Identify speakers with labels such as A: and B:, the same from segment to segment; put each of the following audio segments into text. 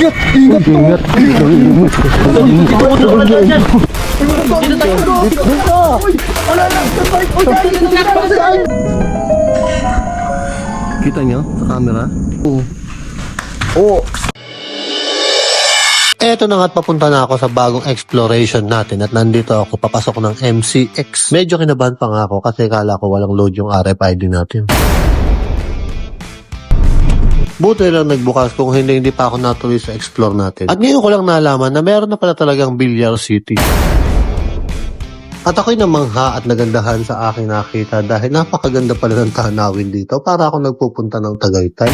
A: Ingat! Ingat! Kita nyo sa camera? Oo. Oo. Eto na nga't papunta na ako sa bagong exploration natin at nandito ako papasok ng MCX. Medyo kinabahan pa nga ako kasi kala ko walang load yung RFID natin. Buti lang nagbukas kung hindi pa ako natuloy sa explore natin. At ngayon ko lang nalaman na meron na pala talagang Billiard City. At ako'y namangha at nagandahan sa aking nakita dahil napakaganda pala ng tanawin dito para ako nagpupunta ng Tagaytay.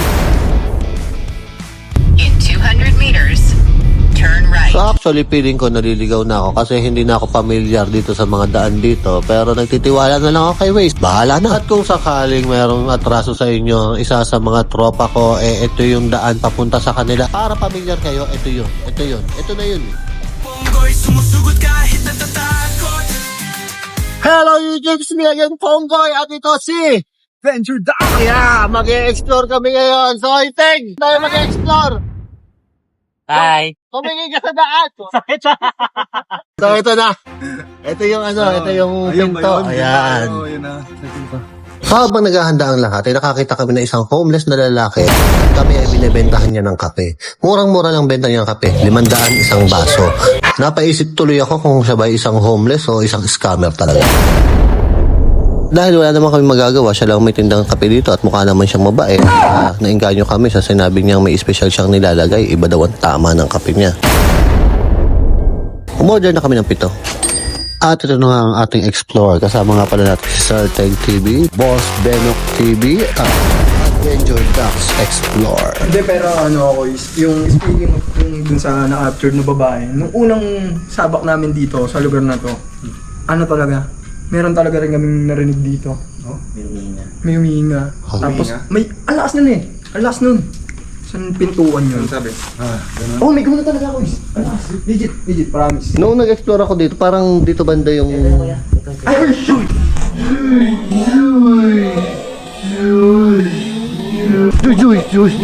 B: In 200 meters, turn right.
A: So actually feeling ko naliligaw na ako kasi hindi na ako pamilyar dito sa mga daan dito pero nagtitiwala na lang ako kay Waze. Bahala na. At kung sakaling mayroong atraso sa inyo, isa sa mga tropa ko, ito yung daan papunta sa kanila. Para pamilyar kayo, ito yun. Ito na yun.
C: Ponggoy, sumusugot kahit natatakot.
A: Hello YouTube, it's me again, Ponggoy, at ito si
C: Venture Down!
A: Yeah, mag-e-explore kami ngayon. So, Iteng, tayo mag-e-explore.
D: Hi!
A: Tumingin ka sa daan.
D: Sakit sa...
A: So, ito na. Ito yung ito yung pinto. Ayan. So, habang naghahanda ang lahat, ay nakakita kami na isang homeless na lalaki. Kami ay binibentahan niya ng kape. Murang-mura lang benta niya ng kape. 500 isang baso. Napaisip tuloy ako kung siya ba isang homeless o isang scammer talaga. Dahil wala naman kami magagawa, siya lang may tindang kape dito at mukha naman siyang mabait. Nainganyo kami sa sinabi niyang may special siyang nilalagay. Iba daw ang tama ng kape niya. Umorder na kami ng 7. At ito na nga ang ating explore. Kasama nga pala natin si Sir Teg TV, Boss Benok TV, at Adventure Ducks Explore.
E: Hindi, pero ano ako is, yung speaking of yung dun sa na-captured na babae, nung unang sabak namin dito sa lugar na to, ano talaga, meron talaga rin kaming narinig dito. Oh? May humihinga.
A: Oh,
E: Tapos, may, alakas nun eh. Alakas nun. Saan pintuan yun? Sabi? Ganun. Oh, may gumana talaga ako is. Alakas. Legit, promise.
A: Noong nag-explore ako dito, parang dito banda yung...
E: Ay, oh, shoot!
A: Juice.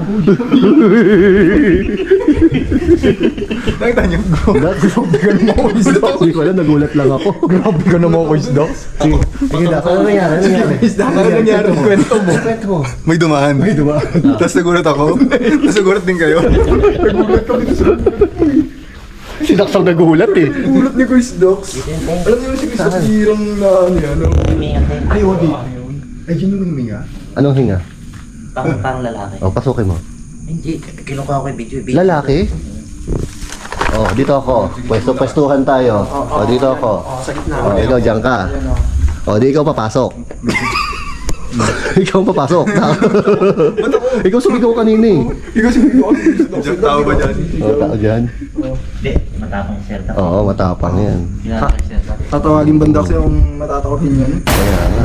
E: Nakita niyo? Grabe ka naman ako isda.
A: Hindi ko alam, nagulat lang ako.
E: Grabe ka naman ako isda.
A: Sige na, ano nangyari?
E: Ano nangyari? Kwento mo.
F: May dumaan. Tapos nagulat ako. Tapos nagulat din kayo.
E: Nagulat kami sa...
A: Si Dax ang nagulat eh.
E: Nagulat ni Chris Dox. Alam niyo si Chris Dox hirang na ano yan. Ay, wag yun. Ay, yun yung huminga.
A: Anong hinga?
D: Pang lalaki.
A: O, pasukin mo.
D: Hindi, kinukuha ko yung video.
A: Lalaki? Oh, dito ako. Pwestuhan tayo. Oh, dito ako.
E: Sa gitna.
A: Oh, ikaw dyan ka. Oh, di ikaw papasok. Ikaw papasok. Ikaw sumigaw kanina eh.
E: Ikaw siguro
F: Diyan, tao ba dyan?
A: Oh, tao dyan.
D: Hindi, matapang yung Zelda.
A: Oo, matapang yan.
D: Ginagawa yung Zelda.
E: tatawagin banda kasi yung matatakotin yan.
A: Kaya nga.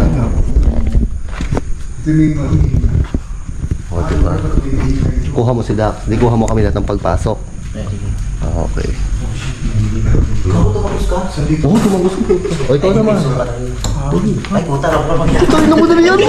A: Oh, diba? Kuha mo si Dax. Di kuha mo kami lahat ng pagpasok.
D: Sige.
A: Ah, okay.
D: Ikaw, tumagos ka?
A: Oo, tumagos ko. O, ikaw naman.
D: Ay, puta, ako naman yan.
A: Ito, ina mo na yan mo.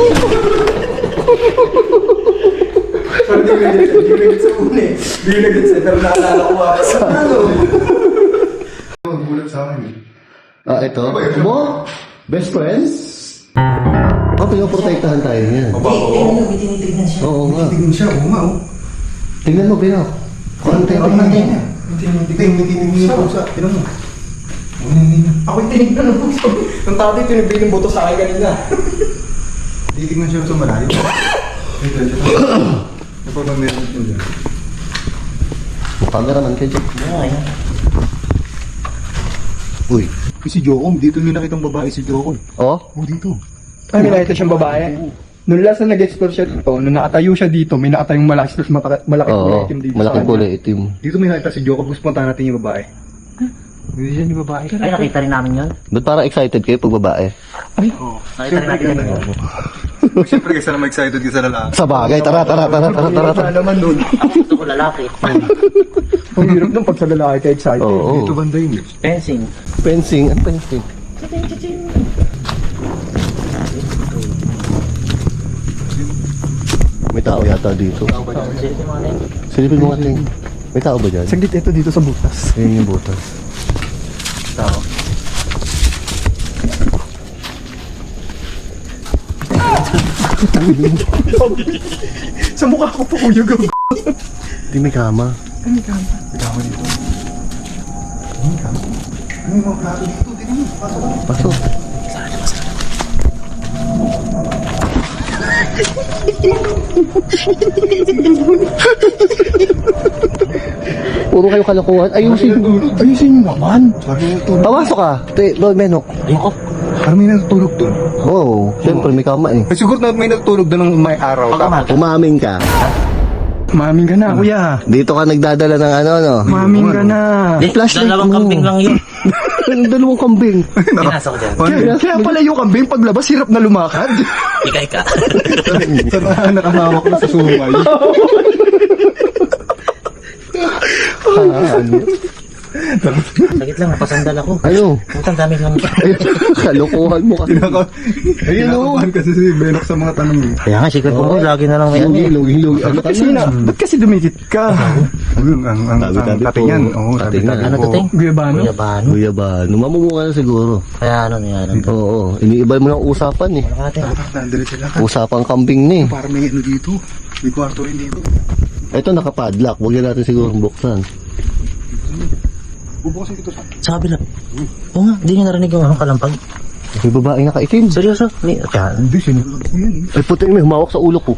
E: Sorry, di nagit sa una eh. Di nagit sa pero naalala ko sa ano.
F: Nagulat sa akin.
A: Ah, ito. Mo? Best friends? Oh, pinoprotektahan tayo niyan.
D: Tinitignan siya.
A: Oo nga.
F: Tingin siya, oo nga, oh.
A: Tingnan mo, Bino. Kung ano tayo tingnan niya.
F: Tingin niya po sa, tinan mo.
E: Ako'y tinignan ng puso. Nung tatay tinibig ng boto sa akin kanina.
F: Titignan siya sa malalim. Ito. Ano pa ba meron ito dyan?
A: Cameraman ka dyan.
D: Ay,
F: Uy, si Jocom, dito may nakitang babae si Jocom.
A: Oh?
F: Oh, dito.
E: Ay, may nakita siyang babae. Nung last na nag-explore siya dito, nung nakatayo siya dito, may nakatayong malaki, malaki kulay
A: Oo,
E: itim dito.
A: malaking kulay itim.
F: Dito may nakita si Jocom, gusto puntahan natin yung babae. Hindi siya yung babae.
D: ay, nakita rin namin yun.
A: Ba't parang excited kayo pag babae?
D: Nakita rin natin yun.
F: Siyempre, kasi naman excited ka sa lalaki.
A: Sa bagay, tara.
E: Wala naman nun.
D: Gusto ko lalaki.
E: Ang hirap nung pag sa lalaki ka excited.
A: Oo.
F: Dito banda yun.
D: Fencing.
A: Fencing. Ano fencing? May tao yata dito.
D: Silipin mo nga tayo.
A: Silipin mo nga ting. May tao ba dyan?
E: Saglit ito dito sa butas.
A: Ayun yung butas.
E: Tao. Sa mukha ko po kuya gaw.
A: Hindi may kama.
E: Ano ka?
F: Kailangan dito. Ano ka? Ano yung mga plato dito? Tingnan mo. Pasok ka.
A: Pasok. Puro kayo kalokohan. Ayusin nyo naman.
F: Parang may natutulog.
A: Pawasok ka. Bro, Benok.
D: Ayoko.
F: Parang may natutulog doon.
A: Oo. Oh, syempre may kama eh.
F: Siguro na may natutulog doon ng may araw.
D: Pagkamal.
A: Umamin ka.
E: Maming ka na kuya.
A: Dito ka nagdadala ng ano, no?
E: Maming ka na.
A: Flashlight
D: Dalawang
A: mo.
D: kambing lang yun.
A: Dalawang kambing.
D: Pinasok ko dyan.
E: Kaya pala yung kambing paglabas hirap na lumakad.
D: Ika.
F: Sa nakahawak na sa sumay.
D: Sagit lang, napasandal ako.
A: Ano?
D: Putang dami lang.
A: Kalokohan mo kasi.
F: Ayun o. Kinakabahan kasi si Benok sa mga tanong eh.
D: Kaya nga, secret ko lagi na lang may ano.
A: Lugi. Ano ka
E: Kasi na, ba't kasi dumikit ka?
F: Ayun, ang
A: Tabi-tabi
F: katingan.
A: po.
F: Oo,
A: Katingan.
F: tabi-tabi
D: Ano
F: po.
D: to, Ting?
E: Kuya Bano?
D: Kuya Bano.
A: Kuya ba? Numamumukha na siguro.
D: Kaya ano niya.
A: Oo. Iniibay mo ng usapan eh.
D: Ate.
F: Nandali sila.
A: Usapang kambing ni.
F: Parang may ano dito. May kwarto rin dito.
A: Ito nakapadlock. Huwag na natin siguro buksan.
F: Bubukasin dito sa.
D: Sa kabila. Oo nga, di niyo narinig yung kalampag.
A: May babae nakaitim.
D: Seryoso? Kaya,
F: Hindi, sinulog ko yan eh.
A: Ay puti, may humawak sa ulo ko.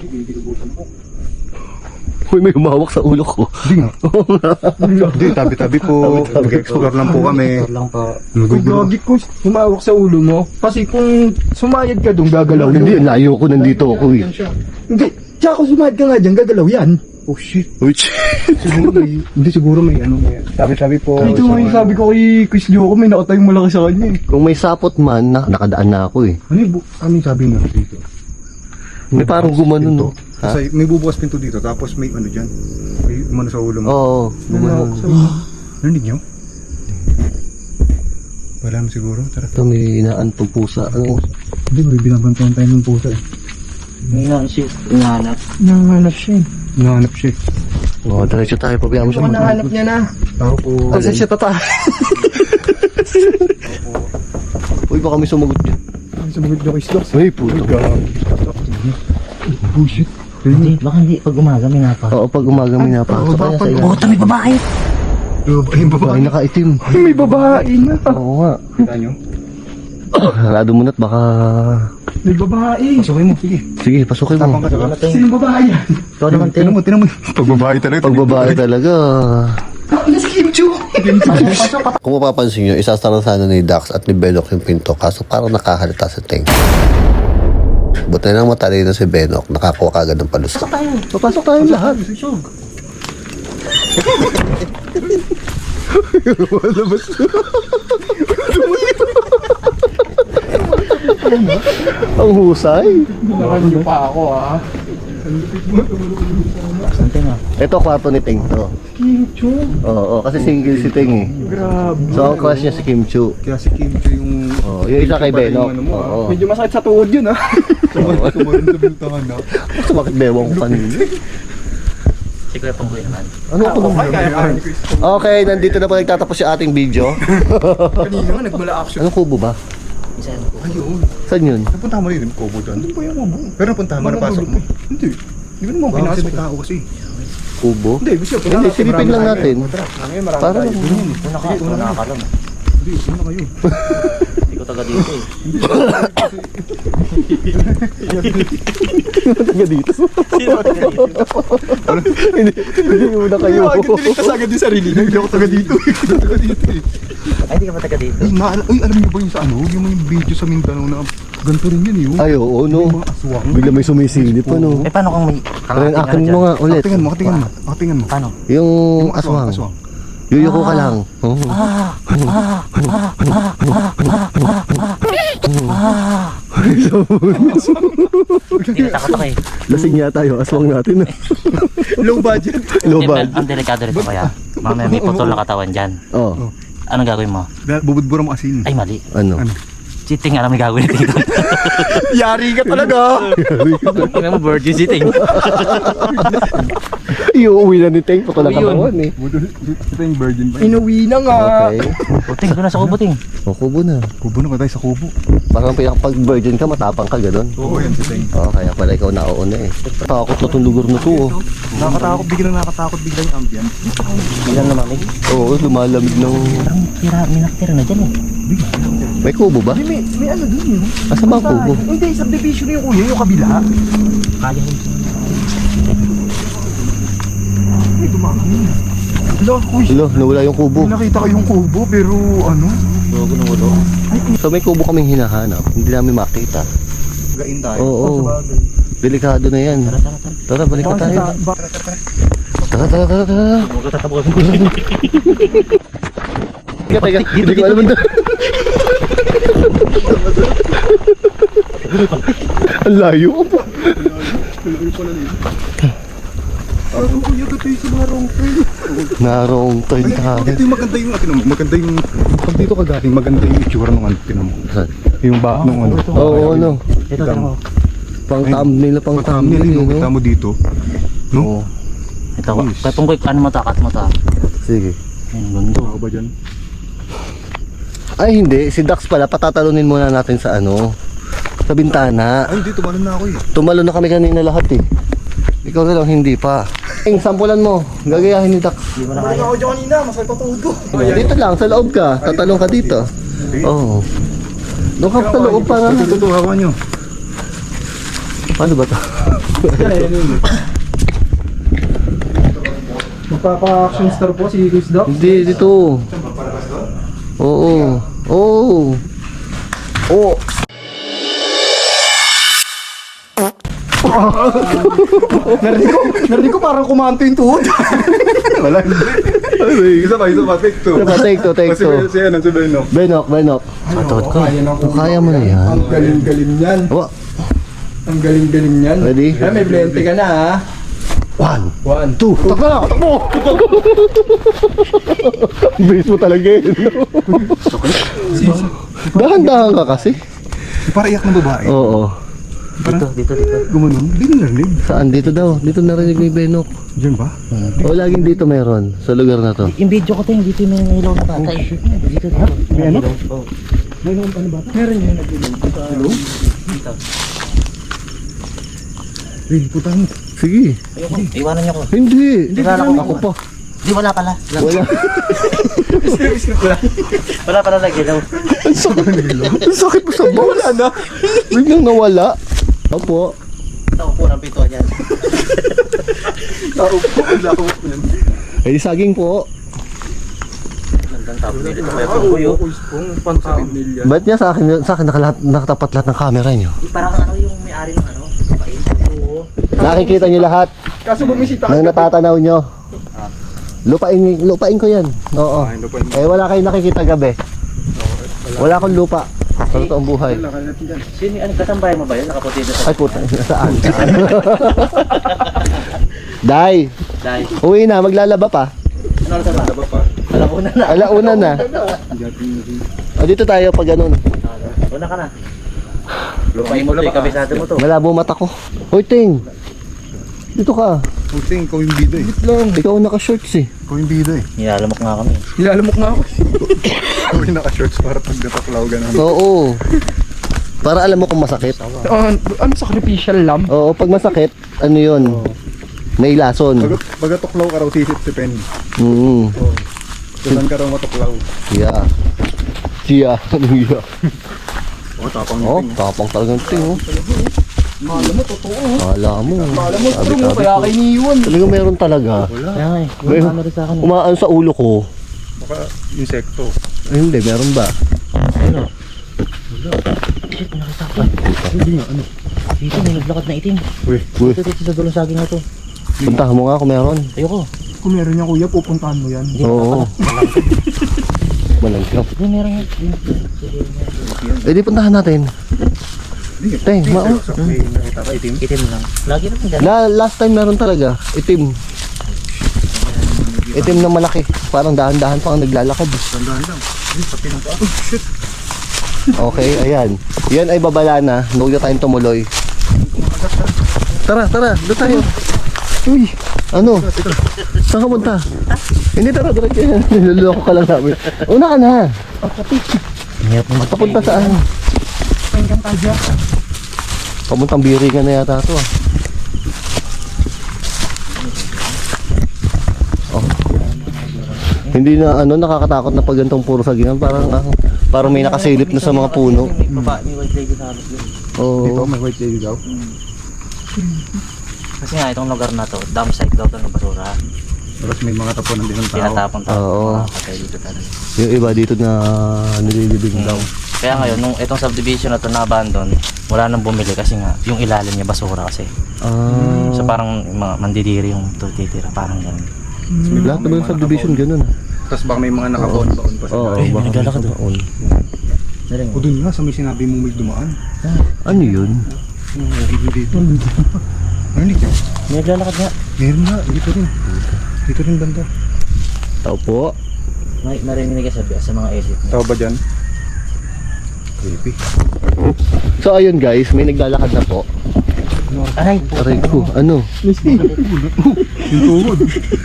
A: Uy, may humawak sa ulo ko.
F: Hindi nga. Hindi, tabi-tabi po. Mag-explore lang po kami.
D: lang po.
E: Kung gagi ko, humawak sa ulo mo. Kasi kung sumayad ka doon, gagalaw
A: Hindi,
E: yun.
A: layo ko nandito ako eh.
E: Hindi. Tsaka kung sumayad ka nga dyan, gagalaw yan.
F: Oh shit.
A: Uy,
F: Siguro may, hindi siguro may ano. Tabi-tabi po.
E: Ito nga yung sabi ko kay Chris Joko, may nakatayong malaki sa kanya eh.
A: kung may sapot man, nakadaan na ako eh.
F: Ano yung sabi nga dito?
A: May parang gumanon no. Ha?
F: Kasi may bubukas pinto dito, tapos may ano dyan. May umano sa ulo mo.
A: Oo, gumanon.
F: Narinig nyo? Wala mo siguro. Tara.
A: Ito may inaantong pusa. Ano?
F: Hindi, may binabantayan tayo ng pusa eh.
D: May naisip, inahanap.
E: Nanganap siya eh.
F: Hinahanap siya eh.
A: Oo, diretso tayo. Pabayaan mo siya.
E: Mukhang nahanap niya na.
F: Tao po.
E: Kasi siya tata.
A: Uy, baka may sumagot dyan.
E: Sumagot niyo kay Slox.
A: Uy, puto.
F: Oh shit.
D: Hindi, baka hindi. Pag umaga, may napa.
A: Oo, pag umaga may napasok ka na sa iyo.
D: Puta, may babae!
F: Yung babae.
A: Babae nakaitim.
E: May babae na.
A: Oo nga.
F: Kita nyo?
A: Sarado mo na't baka...
E: May babae.
F: Pasukin mo. Sige.
A: Sige, pasukin mo.
F: Tapang ka diba?
D: Ano, Ting?
E: Sinong babae yan?
D: Ikaw naman, Ting.
F: Tinan mo. Pagbabae talaga.
A: Pag babae talaga.
E: Nas Kim Chu.
A: Kung mapapansin nyo, isasara sana ni Dax at ni Benok yung pinto kaso parang nakahalata sa Ting. Buti nang matalino si Benok, nakakuha kagad ng palusot. Papasok tayo lahat. Ang husay.
E: Nakano pa ako ah.
D: Saan, Ting, ah?
A: Ito kwarto ni Ting to.
E: Kim Chu.
A: Oo, kasi single si Ting eh.
E: Grabe.
A: So ang crush niya si Kim Chu.
F: Kaya si Kim Cho yung...
A: Oo, yung isa kay Benok.
F: Ano mo, ah.
A: Oo.
E: Medyo masakit sa tuhod yun ah.
F: Kumain sa bintangan na.
A: Bakit bewang ko kanina?
D: Si Kuya Panggoy naman.
A: Ano ako naman? Okay, nandito na po nagtatapos yung ating video.
E: Kanina nga nagmula action.
A: Anong kubo ba?
D: Isa yan.
F: Ayun.
A: Saan yun?
F: Napunta mo rin yung kubo doon. Doon po yung kubo. Pero napunta mo, napasok mo. Hindi. Hindi mo naman pinasok. May tao kasi.
A: Kubo?
F: Hindi, gusto ko.
A: Hindi, silipin lang natin. Para lang.
D: Una nakakalam.
F: Hindi, una kayo.
D: Hindi ko taga dito eh.
A: Taga dito.
D: Sino ba taga dito?
A: Hindi muna kayo.
E: Tiligtas agad yung sarili niya.
F: Hindi ako taga dito. Taga dito eh.
D: Ay, hindi ka ba taga dito?
F: Ay, alam niyo ba yung sa ano? Yung may video sa Mindanao na ganito rin yun eh.
A: Ay, oo, no.
F: Mga aswang.
A: Bigla may sumisilip, ano.
D: Eh, paano kung may
A: Pero akin mo nga ulit.
F: Tingnan mo, tingnan mo. Tingnan mo.
D: Paano?
A: Yung
F: Yung aswang.
A: aswang. Yuyuko ka lang. Oo.
D: Tinatakot ako eh.
A: Lasing yata yung aswang natin.
E: Low budget.
A: Low
D: Eh,
A: bad.
D: Ang delikado rito kaya. Mamaya may putol na katawan dyan.
A: Oh,
D: Anong gagawin mo?
F: Bubudbura mo asin.
D: Ay, mali.
A: ano?
D: Cheating, alam mo yung gagawin dito.
E: Yari ka talaga.
D: Tingnan mo, virgin cheating.
A: Iuwi na ni Teng. Pako na katawan eh.
F: Ito yung virgin ba?
E: Inuwi na nga.
A: Okay.
D: O, Ting, doon na sa kubo, Ting.
A: O, kubo na.
F: Kubo na ba tayo sa kubo?
A: Parang pag virgin ka, matapang ka, gano'n.
F: Oo, yan si Teng.
A: Oo, kaya pala ikaw nauuna eh. Takot na itong lugar na to. Oh.
F: Nakakatakot, biglang yung ambient.
D: Bilang lamamig.
A: Oo, lumalamig ng...
D: Parang may nakatira na dyan eh.
A: May kubo ba?
E: May ano dun yun.
A: Asa ba ang kubo?
E: Hindi, subdivision yung kuya, yung kabila.
D: Kaya yun.
E: May dumakang. Wala, kuya.
A: Hello, nawala yung kubo.
F: Nakita ko yung kubo, pero ano?
D: Logo ng ulo.
A: So may kubo kaming hinahanap. Hindi namin makita.
F: Gain tayo.
A: Oo. Delikado na yan.
D: Tara, tara, tara.
A: Tara, balik na tayo. Tara, tara, tara, tara.
D: Magkatatabukan ko.
A: Teka, teka. Hindi ko alam doon. Ang layo ko po.
F: Ang kuya, gato yung sa mga wrong turn.
A: Narong turn tayo.
F: Ito yung maganda yung, pag dito ka galing, maganda yung itsura ng ano, tinan mo.
A: Saan?
F: Yung ba, nung ano.
A: Oo, ano.
D: Ito, tara mo.
A: Pang thumbnail na pang thumbnail.
F: Thumbnail,
A: no?
F: kita mo dito.
A: Oo.
D: Ito, kaya pong quick, ano matakat mo ta?
A: Sige.
D: Ayun, gundo.
F: Ako ba dyan?
A: Ay, hindi. Si Dax pala, patatalunin muna natin sa ano. Sa bintana.
F: Ay, hindi, tumalon na ako eh.
A: Tumalo na kami kanina lahat eh. Ikaw na lang, hindi pa. Eng, sampulan mo. Gagayahin ni Dax.
E: Balik ako dyan kanina, masay patudo.
A: Dito lang, sa loob ka. Tatalong ka dito. Oo. Doon ka sa loob para.
F: Ito, hawa nyo.
A: Paano ba ito?
E: Magpapa-action star po si Chris Doc.
A: Hindi, dito. Oo. Oo. Oo.
E: Narinig ko parang kumanto yung tuhod.
F: Wala, hindi. Isa pa, take two.
A: Take two, take two.
F: Si Benok.
A: Benok. Sa tuhod ko. Kaya mo na yan.
E: Ang galing-galing yan.
A: Awa.
E: Ang galing-galing yan.
A: Ready?
E: Ay, may blente ka na ha.
A: 1,
E: 1,
A: 2. Takbo na! Takbo! Bilis mo talaga yun. Dahan-dahan ka kasi.
F: Para iyak ng babae.
A: Oo.
D: Dito.
F: Gumanon. Hindi mo narinig.
A: Saan? Dito daw. Dito narinig ni Benok.
F: Diyan ba?
A: O, laging dito meron. Sa lugar na to.
D: Yung video ko, Ting, dito may ilaw na bata eh. Dito. May ano?
E: meron yung nag-ilog.
D: Dito.
F: Hey, putang.
A: Sige.
D: Ayoko, iwanan niyo ko.
A: Hindi.
D: Wala ako.
A: Ako pa.
D: Di, wala pala.
A: Wala.
D: Wala pala lagi daw.
A: Ang sakit mo sa bola na. Biglang nawala. Opo.
D: Tao po ng pito dyan.
A: Ay, saging po.
D: Gandang tao dito kaya pong kuyo.
A: Ba't niya sa akin nakatapat lahat ng camera niyo?
D: Parang ano yung may-ari ng ano?
A: Nakikita niyo lahat
E: Kaso bumisita
A: ng natatanaw niyo. Lupain ko yan. Oo. Eh, wala kayong nakikita gabi. Wala akong lupa. Sa totoong buhay.
D: Sino ano kasambahay mo ba yun? Nakaputi doon sa
A: Ay puta, saan? Day,
D: dahil.
A: uwi na, maglalaba pa.
D: Ano sa ba? Alauna na.
A: Alauna na. O dito tayo pag ganun.
D: Una ka na. Lupain mo to, kabisado mo to.
A: Malabo mata ko. Hoy, Ting. Dito ka.
F: Puting, ikaw yung bida eh.
A: Ikaw naka-shorts eh.
F: Ikaw yung bida eh.
D: Nilalamok nga kami.
E: Nilalamok na ako.
F: Ikaw yung naka-shorts para pag nataklaw ganun.
A: Oo. Para alam mo kung masakit.
E: Ano sacrificial lamb?
A: Oo, pag masakit, ano yun? May lason.
F: Pag tuklaw ka raw, sisit si Pen. Saan ka raw matuklaw?
A: Yeah. Siya. Yeah.
F: Oh, tapang
A: Oh, tapang talagang Ting. Oh.
E: Kala mo, totoo.
A: Kala mo.
E: Kala mo, true mo, kaya kayo iniiwan.
A: Talagang meron talaga.
D: Kaya nga eh.
A: May-
D: Ano rin sa akin.
A: Umaan sa ulo ko.
F: Baka insekto.
A: Ay, hindi, meron ba?
D: Shit, may nakita ko. Hindi nga, ano? Dito may naglakad na itim.
A: Uy,
D: Dito sa dulong saging na to.
A: puntahan mo nga kung meron.
D: Ayoko.
E: Kung meron niya kuya, pupuntahan mo yan.
A: Oo. Malangkap.
D: Hindi, meron nga.
A: Eh di puntahan natin. Teng, mao.
F: Nakita ka itim?
D: Itim lang. Lagi na dyan.
A: Last time meron talaga. Itim. Itim na malaki. Parang dahan-dahan pa ang naglalakad.
F: Tandaan lang. Pati ng paa. Oh, shit.
A: Okay, ayan. Yan ay babala na. Huwag na tayong tumuloy. Tara, doon tayo. Uy, ano? Saan ka punta? Hindi, tara, niloloko ka lang namin. Una ka na. Papunta saan? Pamuntang Biringan na yata ito ah. Oh. Hindi na nakakatakot na pag gantong puro sagingan, parang may nakasilip na sa mga puno.
D: May white lady sa harap yun.
A: Oo.
F: may white lady daw.
D: Kasi nga itong lugar na to, dump site daw ito ng basura.
F: Tapos may mga tapunan din ng tao.
D: Tinatapon tao.
A: Oo.
D: Patay dito talaga.
A: Yung iba dito na nililibing daw.
D: Kaya ngayon, nung itong subdivision na to na-abandon, wala nang bumili kasi nga, yung ilalim niya basura kasi. So parang mga mandidiri yung titira, parang gano'n.
A: Lahat naman yung subdivision ganun.
F: Tapos baka may mga nakabaon-baon pa sa
A: Oo,
F: tayo.
A: baka
D: naglalakad
A: may taon.
F: O dun nga, sa may sinabi mo may dumaan.
A: Ano yun?
F: Dito. Narinig nyo?
D: May naglalakad nga.
F: Meron nga, dito rin. Dito rin banda.
A: Tao po.
D: May narinig ka sa mga exit niya.
F: Tao ba dyan? Creepy.
A: So ayun guys, may naglalakad na po.
D: Aray!
A: Aray ko, ano?
F: Yung tuhod.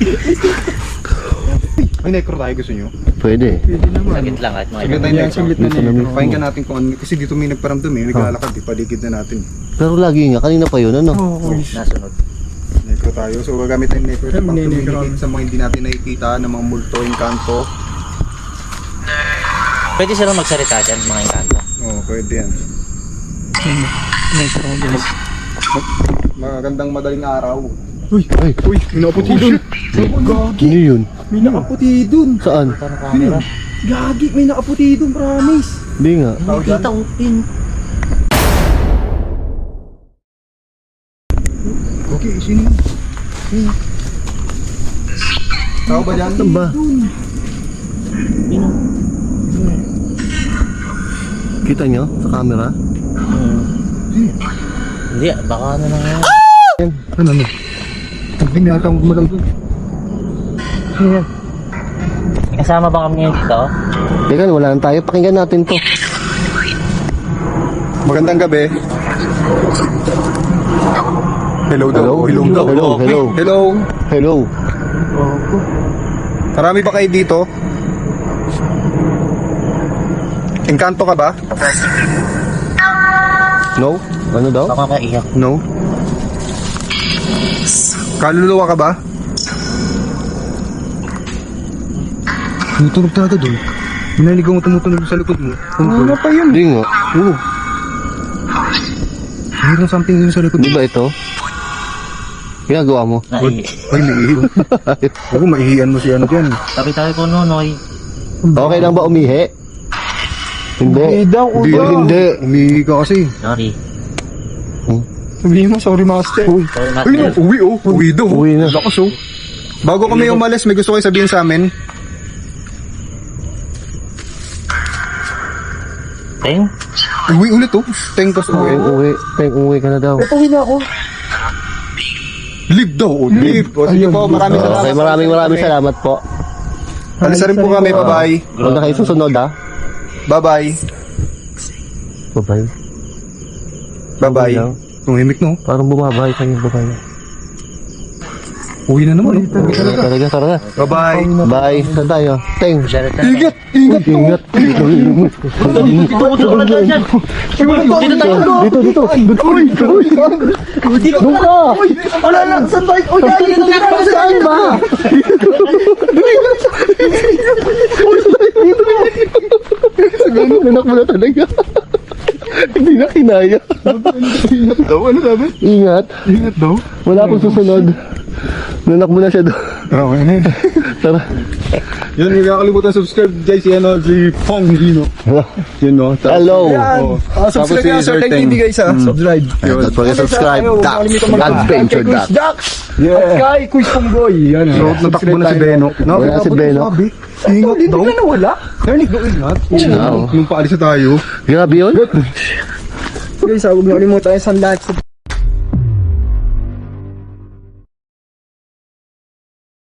F: Ay, necro tayo gusto nyo?
A: Pwede.
D: Sagit lang kahit mga
F: Saglit
D: ilang.
F: tayo necro.
E: Saglit na necro.
F: Pakinggan natin kung ano. Kasi dito may nagparamdam naglalakad paligid na natin.
A: Pero lagi nga, kanina pa yun, ano?
D: Nasunod.
F: Necro tayo. So gagamit tayo necro sa pang
E: Necro.
F: communicate sa mga hindi natin nakikita ng mga multo, engkanto.
D: Pwede silang magsalita dyan, mga engkanto.
F: Oo, pwede yan. Magandang madaling araw.
A: Ay,
F: Uy, may nakaputi dun.
A: ano yun?
E: May nakaputi dun.
A: Saan?
D: Parang camera.
E: Gagi, may nakaputi dun, promise.
A: Hindi nga.
D: Kita upin.
F: Okay, sino yun? Tao ba dyan?
A: Saan ba? Kita nyo sa camera?
D: Hindi, baka ano na nga.
F: Ano? Tingnan yata ang gumalang dun.
D: May kasama ba kami ngayon dito?
A: Teka, wala na tayo. Pakinggan natin to.
F: Magandang gabi. Hello daw.
A: Hello?
F: daw.
A: Hello, hello.
F: Hello.
A: Hello.
F: Marami ba kayo dito? Engkanto ka ba?
A: No? Ano daw?
D: Baka kaiyak.
F: No. Kaluluwa ka ba? Tumutunog talaga doon. Minaligaw mo tumutunog sa likod mo. Ano pa yun?
A: Hindi nga.
F: Oo. Mayroon something yun sa likod
A: Di
F: mo.
A: ba ito? Ginagawa mo?
D: Ay,
F: Ay, maiihi. Oo, maihian mo si ano dyan.
D: tabi-tabi ko Nonoy.
A: Okay lang ba umihi? Hindi. Hindi.
F: Umihi ka kasi.
D: Sorry.
E: Sabihin mo, sorry master.
A: Uy.
D: Sorry,
F: Ay, no,
D: master.
F: uwi oh. Uwi daw.
A: Uwi na.
F: Lakas oh. Bago kami umalis, may gusto kayo sabihin sa amin.
D: Teng?
F: Uwi ulit oh. Tengkos uwi.
A: Uwi ka na daw.
E: Uwi na ako.
F: Live daw. Oh, live. O, sige po, maraming salamat.
A: Okay, maraming salamat po.
F: Alis na rin po kami. Bye-bye.
A: Huwag na kayo susunod ha.
F: Bye-bye.
A: Babay.
F: Bye-bye. Tumimik no.
A: Parang bumabay kayo, babay.
F: Uwi na naman.
A: Talaga.
F: Bye-bye.
A: Bye. Saan tayo? Teng.
F: Ingat! Ingat!
A: Ingat. Dito. Doon ka.
E: Wala lang, saan tayo? Uy,
A: Saan ba? Nanak mo na talaga. Hindi na kinaya.
F: Ingat daw. Ano sabi?
A: Ingat.
F: Ingat daw.
A: Wala akong susunod. Nanak mo na siya doon.
F: Okay na yun.
A: Tara.
F: Yun, huwag kakalimutan subscribe guys. Si Pong Gino. Yun no.
A: Hello.
E: Subscribe
F: si
E: na Sir
F: Sir
E: Teng TV guys ha. Subscribe.
A: Don't forget to subscribe. Adventure Dax.
E: Dax. At kay Quiz Pongboy. Yan.
F: So, natakbo na si Beno.
A: Wala si Beno.
F: Ingat daw.
E: Dito na nawala.
F: Narinig daw ingat.
A: Oo.
F: Nung paalis na tayo.
A: Grabe yun.
E: Guys, huwag niyo kalimutan yung sunlight.